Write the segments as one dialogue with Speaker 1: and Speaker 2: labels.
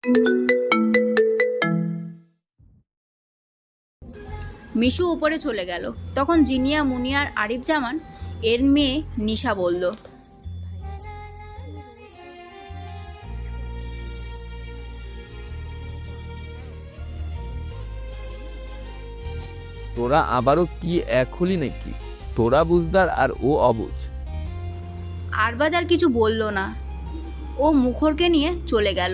Speaker 1: মিশু উপরে চলে গেল। তখন জিনিয়া, মুনিয়া আর আরিফ জামান এর মেয়ে নিশা বলল,
Speaker 2: তোরা আবারও কি এক হলি নাকি? তোরা বুঝদার আর ও অবুঝ।
Speaker 1: আরবাজ আর কিছু বলল না, ও মুখরকে নিয়ে চলে গেল।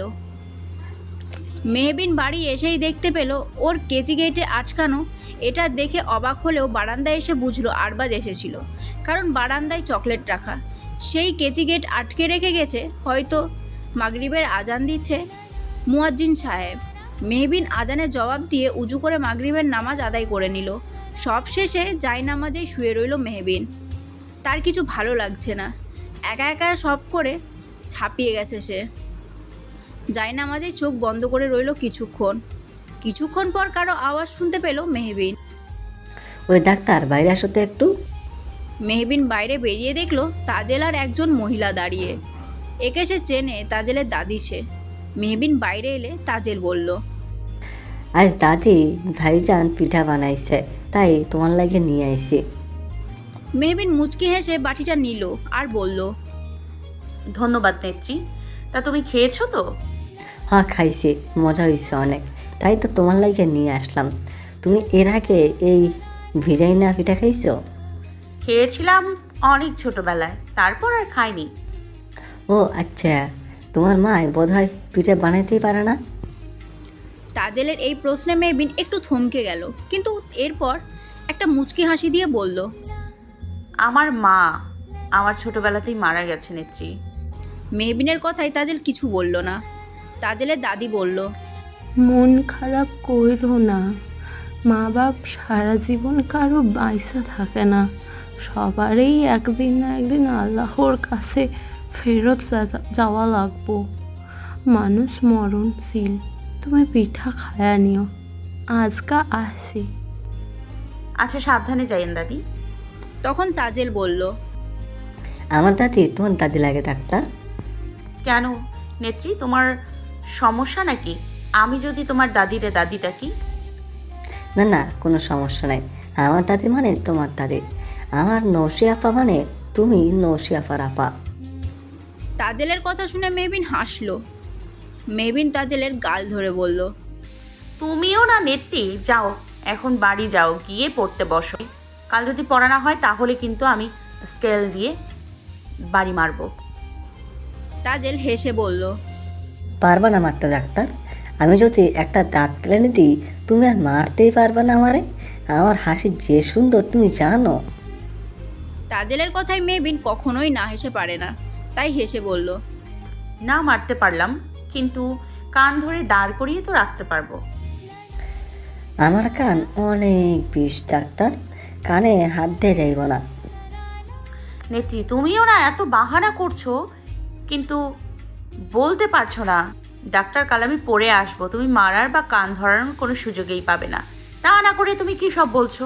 Speaker 1: মেহবিন বাড়ি এসেই দেখতে পেল ওর কেচি গেটে আটকানো। এটা দেখে অবাক হলেও বারান্দায় এসে বুঝলো আরবাজ এসেছিল, কারণ বারান্দায় চকলেট রাখা। সেই কেচি গেট আটকে রেখে গেছে, হয়তো মাগরিবের আজান দিচ্ছে মুয়াজ্জিন সাহেব। মেহবিন আজানের জবাব দিয়ে উজু করে মাগরিবের নামাজ আদায় করে নিল। সব শেষে জায়নামাজেই শুয়ে রইল মেহবিন। তার কিছু ভালো লাগছে না, একা একা সব করে ছাপিয়ে গেছে সে। জায়নামাজে চোখ বন্ধ করে রইল কিছুক্ষণ পর কারো আওয়াজ শুনতে পেল মেহবিন।
Speaker 3: ওই ডাক্তার, বাইরে আসো তো একটু।
Speaker 1: মেহবিন বাইরে বেরিয়ে দেখলো তাজেল আর একজন মহিলা দাঁড়িয়ে। একে সে চেনে, তাজেলের দাদি সে। মেহবিন বাইরে এলে তাজেল বলল,
Speaker 3: আজ দাদি ভাইজান পিঠা বানাইছে, তাই তোমার লাগে নিয়ে আইছি।
Speaker 1: মেহবিন মুচকি হেসে বাটিটা নিল আর বলল,
Speaker 4: ধন্যবাদ নেত্রী। তা তুমি খেয়েছো তো?
Speaker 3: হ্যাঁ খাইছি, মজা হয়েছে অনেক, তাই তো তোমার লাগে নিয়ে আসলাম। তুমি এর আগে এই ভিজাইনা পিঠা খাইছো?
Speaker 4: খেয়েছিলাম অনেক ছোটবেলায়, তারপর আর খাইনি।
Speaker 3: ও আচ্ছা, তোমার মা বোধহয় পিঠা বানাইতেই পারে না।
Speaker 1: তাজেলের এই প্রশ্নে মেহবিন একটু থমকে গেল, কিন্তু এরপর একটা মুচকি হাসি দিয়ে বলল,
Speaker 4: আমার মা আমার ছোটবেলাতেই মারা গেছে নেত্রী।
Speaker 1: মেহবিনের কথায় তাজেল কিছু বলল না। তাজেলের দাদি বলল,
Speaker 5: মন খারাপ কইরো না, মা বাপ সারা জীবন কারো বাইসা থাকে না, সবারই একদিন না একদিন আল্লাহর কাছে ফেরত যাওয়া লাগবো। মানুষ মরণশীল, তুমি পিঠা খায়া নিও, আজকা আসি।
Speaker 4: আচ্ছা, সাবধানে যাইয়েন দাদি।
Speaker 1: তখন তাজেল বলল,
Speaker 3: আমার দাদি তোমার দাদি লাগে ডাক্তার?
Speaker 4: কেন নেত্রী, তোমার সমস্যা নাকি? আমি যদি তোমার দাদিরে দাদি ডাকি?
Speaker 3: না না, কোনো সমস্যা নাই। আমার দাদি মানে তোমার দাদি, আমার নৌশি আপা মানে তুমি নৌশি আপার আপা।
Speaker 1: তাজেলের কথা শুনে মেহবিন হাসলো। মেহবিন তাজেলের গাল ধরে বলল,
Speaker 4: তুমিও না নেত্রী, যাও এখন বাড়ি যাও, গিয়ে পড়তে বসো। কাল যদি পড়া না হয় তাহলে কিন্তু আমি স্কেল দিয়ে বাড়ি মারবো।
Speaker 1: তাজেল হেসে বলল,
Speaker 3: পারবা না মারতে ডাক্তার? আমি যদি একটা দাঁত কেলে দিই, তুমি আর মারতেই পারবে না আমারে। আমার হাসি যে সুন্দর তুমি জানো।
Speaker 1: তাজেলের কথায় মেহবিন কখনোই না হেসে পারে না, তাই হেসে বলল,
Speaker 4: না মারতে পারলাম, কিন্তু কান ধরে দাঁড় করিয়ে তো রাখতে পারবো।
Speaker 3: আমার কান অনেক বিষ ডাক্তার, কানে হাত দিয়ে যাইব না।
Speaker 4: নেত্রী, তুমিও না এত বাহানা করছো, কিন্তু বলতে পারছো না। ডাক্তার কাল আমি পড়ে আসবো, তুমি মারার বা কান ধরানোর কোনো সুযোগই পাবে না। তা না করে তুমি কি সব বলছো?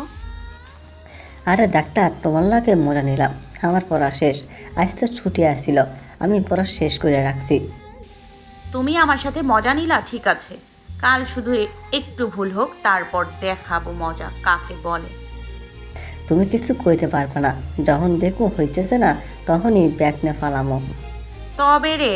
Speaker 3: আরে ডাক্তার, তোমার লাগে মজা নিলাম। আমার পড়া শেষ, আজ তো ছুটি আসছিল, আমি পড়া শেষ করে রাখছি।
Speaker 4: তুমি আমার সাথে মজা নিলা, ঠিক আছে। কাল শুধু একটু ভুল হোক, তারপর দেখাবো মজা কাকে বলে।
Speaker 3: তুমি কিছু কইতে পারবে না, যখন দেখো হইতেছে না তখনই ব্যাগ নে ফালামো।
Speaker 4: তবে রে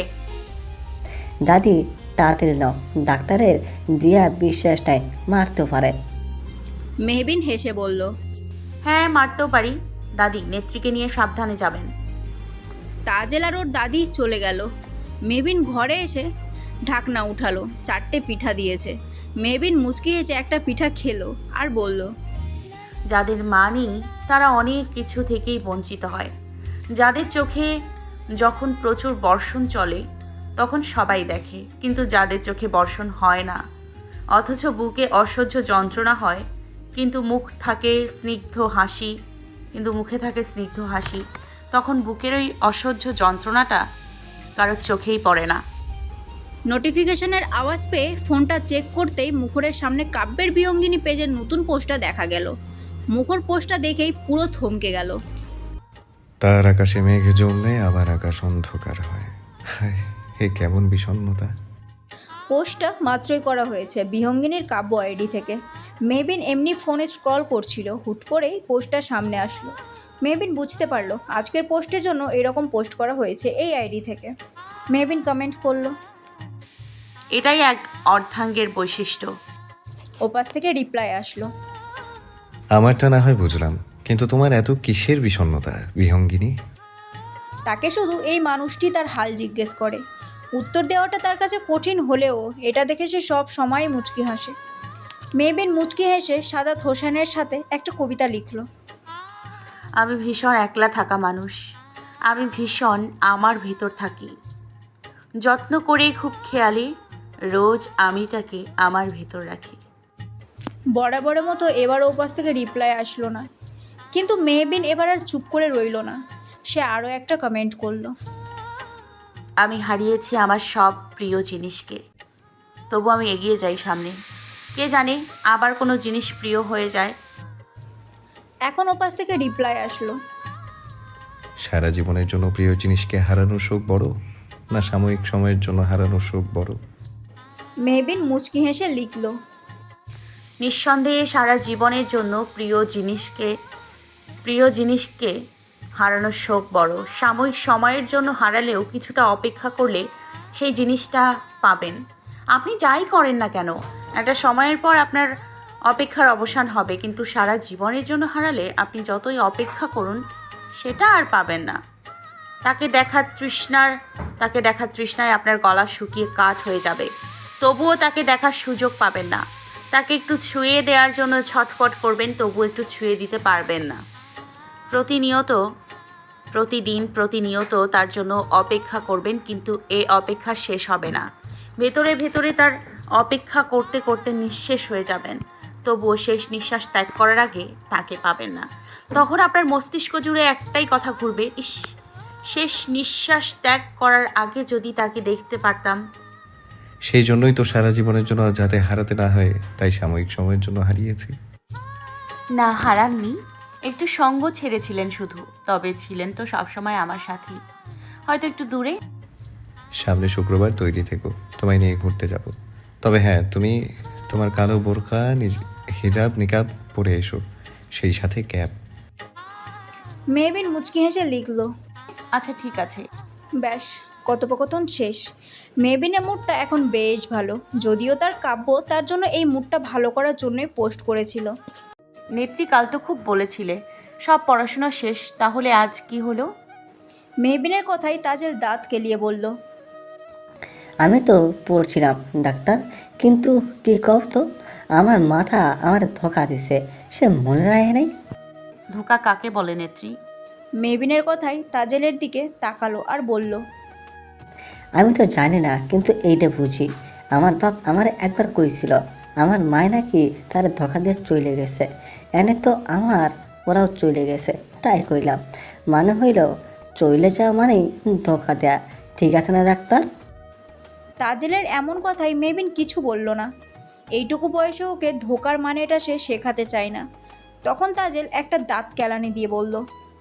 Speaker 3: দাদি তাড়াতাড়ি নাও, ডাক্তারের দিয়া বিশ্বাস নাই, মারতেও পারে।
Speaker 1: মেহবিন হেসে বলল,
Speaker 4: হ্যাঁ মারতেও পারি। দাদি, নেত্রীকে নিয়ে সাবধানে যাবেন।
Speaker 1: তাজেল আর ওর দাদি চলে গেল। মেহবিন ঘরে এসে ঢাকনা উঠালো, 4টে পিঠা দিয়েছে। মেহবিন মুচকি হেসে একটা পিঠা খেলো আর বলল,
Speaker 4: যাদের মা নেই তারা অনেক কিছু থেকেই বঞ্চিত হয়। যাদের চোখে যখন প্রচুর বর্ষণ চলে তখন সবাই দেখে, কিন্তু যাদের চোখে বর্ষণ হয় না, অথচ বুকে অসহ্য যন্ত্রণা হয়, কিন্তু মুখে থাকে স্নিগ্ধ হাসি, তখন বুকের ওই অসহ্য যন্ত্রণাটা কারোর চোখেই পড়ে না।
Speaker 1: নোটিফিকেশনের আওয়াজ পেয়ে ফোনটা চেক করতেই মুখরের সামনে কাব্যের বিয়ঙ্গিনী পেজের নতুন পোস্টটা দেখা গেল। মুখর পোস্টটা দেখেই পুরো থমকে গেল।
Speaker 6: তার আকাশে মেঘ জমলে আবার আকাশ অন্ধকার হয়। হায়, এ কেমন বিষণ্ণতা!
Speaker 1: পোস্টটা মাত্রই করা হয়েছে বিহঙ্গিনীর কাব্য আইডি থেকে। মেবিন এমনি ফোনে স্ক্রল করছিল, হুট করেই পোস্টটা সামনে আসলো। মেবিন বুঝতে পারলো আজকের পোস্টের জন্য এরকম পোস্ট করা হয়েছে এই আইডি থেকে। মেবিন কমেন্ট করলো।
Speaker 4: এটাই এক অর্ধাঙ্গের বৈশিষ্ট্য।
Speaker 1: ওপাশ থেকে রিপ্লাই আসলো।
Speaker 6: আমারটা না হয় বুঝলাম, কিন্তু তোমার এত কিসের বিষণ্ণতা বিহঙ্গিনী?
Speaker 1: তাকে শুধু এই মানুষটি তার হাল জিজ্ঞেস করে। উত্তর দেওয়াটা তার কাছে কঠিন হলেও এটা দেখে সে সব সময় মুচকি হাসে। মেবিন মুচকি হেসে সাদাত হোসেনের সাথে একটা কবিতা লিখলো।
Speaker 4: আমি ভীষণ একলা থাকা মানুষ, আমি ভীষণ আমার ভিতর থাকি, যত্ন করে খুব খেয়ালি, রোজ আমিটাকে আমার ভিতর রাখি।
Speaker 1: বরাবরের মতো এবার ওপাশ থেকে রিপ্লাই আসলো না, কিন্তু মেহবিন এবার আর চুপ করে রইল না। সে আরও একটা কমেন্ট করলো।
Speaker 4: আমি হারিয়েছি আমার সব প্রিয় জিনিসকে, তবু আমি এগিয়ে যাই সামনে। কে জানে আবার কোনো জিনিস প্রিয় হয়ে যায়।
Speaker 1: এখন ওপাশ থেকে রিপ্লাই আসলো।
Speaker 6: সারা জীবনের জন্য প্রিয় জিনিসকে হারানোর শোক বড়, না সাময়িক সময়ের জন্য হারানোর শোক বড়?
Speaker 1: মেহবিন মুচকি হেসে লিখলো।
Speaker 4: নিঃসন্দেহে সারা জীবনের জন্য প্রিয় জিনিসকে হারানোর শোক বড়। সাময়িক সময়ের জন্য হারালেও কিছুটা অপেক্ষা করলে সেই জিনিসটা পাবেন। আপনি যাই করেন না কেন, একটা সময়ের পর আপনার অপেক্ষার অবসান হবে, কিন্তু সারা জীবনের জন্য হারালে আপনি যতই অপেক্ষা করুন সেটা আর পাবেন না। তাকে দেখার তৃষ্ণায় আপনার গলা শুকিয়ে কাঠ হয়ে যাবে, তবুও তাকে দেখার সুযোগ পাবেন না। তাকে একটু ছুঁয়ে দেওয়ার জন্য ছটফট করবেন, তবু একটু ছুঁয়ে দিতে পারবেন না। প্রতিনিয়ত তার জন্য অপেক্ষা করবেন, কিন্তু এ অপেক্ষা শেষ হবে না। ভেতরে ভেতরে তার অপেক্ষা করতে করতে নিঃশেষ হয়ে যাবেন, তবুও শেষ নিঃশ্বাস ত্যাগ করার আগে তাকে পাবেন না। তখন আপনার মস্তিষ্ক জুড়ে একটাই কথা ঘুরবে, ইস, শেষ নিঃশ্বাস ত্যাগ করার আগে যদি তাকে দেখতে পারতাম।
Speaker 6: সেই জন্যই তো সারা জীবনের জন্য যাতে হারাতে না হয় তাই সাময়িক সময়ের জন্য হারিয়েছি।
Speaker 4: না, হারাননি, একটু সঙ্গ ছেড়েছিলেন শুধু, তবে ছিলেন তো সবসময় আমার সাথেই, হয়তো একটু দূরে।
Speaker 6: সামনে শুক্রবার তৈরি থেকো, তোমায় নিয়ে ঘুরতে যাব। তবে হ্যাঁ, তুমি তোমার কালো বোরকা হিজাব নিকাব পরে এসো, সেই সাথে ক্যাপ।
Speaker 1: মেহবিন মুচকি হেসে লিখলো।
Speaker 4: আচ্ছা ঠিক আছে।
Speaker 1: ব্যাস, কথোপকথন শেষ। মেহবিনের মুডটা এখন বেশ ভালো, যদিও তার কাব্য তার জন্য এই মুডটা ভালো করার জন্যই পোস্ট করেছিল।
Speaker 4: নেত্রী, কাল তো খুব বলেছিলে সব পড়াশোনা শেষ, তাহলে আজ কি হলো?
Speaker 1: মেহবিনের কথাই তাজেল দাঁত কেলিয়ে বলল।
Speaker 3: আমি তো পড়ছিলাম ডাক্তার, কিন্তু কি কব তো, আমার মাথা আমার ধোকা দিছে, সে মনে রাখে নাই।
Speaker 4: ধোকা কাকে বলে নেত্রী?
Speaker 1: মেহবিনের কথাই তাজেলের দিকে তাকালো আর বলল।
Speaker 3: আমি তো জানি না, কিন্তু এইটা বুঝি, আমার বাপ আমার একবার কইছিল আমার মায় নাকি তার ধোকা দিয়ে চলে গেছে, এনে তো আমার ওরাও চলে গেছে, তাই কইলাম। মানে হইল চলে যাওয়া মানেই ধোকা দেয়া, ঠিক আছে না ডাক্তার?
Speaker 1: তাজেলের এমন কথাই মেহবিন কিছু বলল না। এইটুকু বয়সে ওকে ধোকার মানেটা সে শেখাতে চায় না। তখন তাজেল একটা দাঁত কেলানি দিয়ে বলল।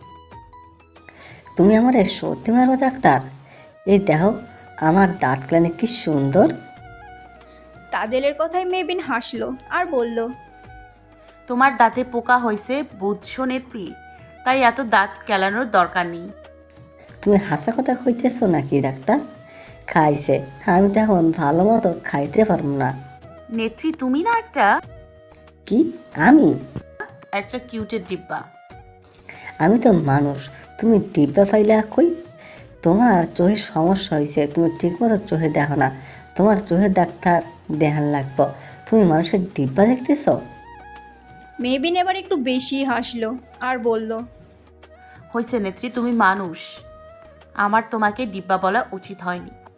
Speaker 3: তুমি আমার সত্যি মারবে ডাক্তার? এই দেখো আমার দাঁত কেলানি কি সুন্দর।
Speaker 1: তাজেলের কথায় মেহবিন হাসলো আর বলল।
Speaker 4: তোমার দাঁতে পোকা হয়েছে বুঝছো নেত্রী, তাই এত দাঁত কেলানোর দরকার নেই।
Speaker 3: তুমি হাসা কথা কইতেছো নাকি ডাক্তার? খাইছে, আমি তো এখন ভালো মতো খাইতে পারবো না।
Speaker 4: নেত্রী, তুমি না
Speaker 3: কি? আমি?
Speaker 4: একটা কিউটের ডিব্বা।
Speaker 3: আমি তো মানুষ, তুমি ডিব্বা পাইলে কই? তোমার চোখের সমস্যা হয়েছে, তুমি ঠিকমতো চোখে দেখো না, তোমার চোখের ডাক্তার দেখান লাগবো। তুমি মানুষের ডিব্বা দেখতেছ?
Speaker 1: মেহবিন এবার একটু বেশি হাসলো আর বলল।
Speaker 4: হয়েছে নেত্রী, তুমি মানুষ, আমার তোমাকে ডিব্বা বলা উচিত হয়নি।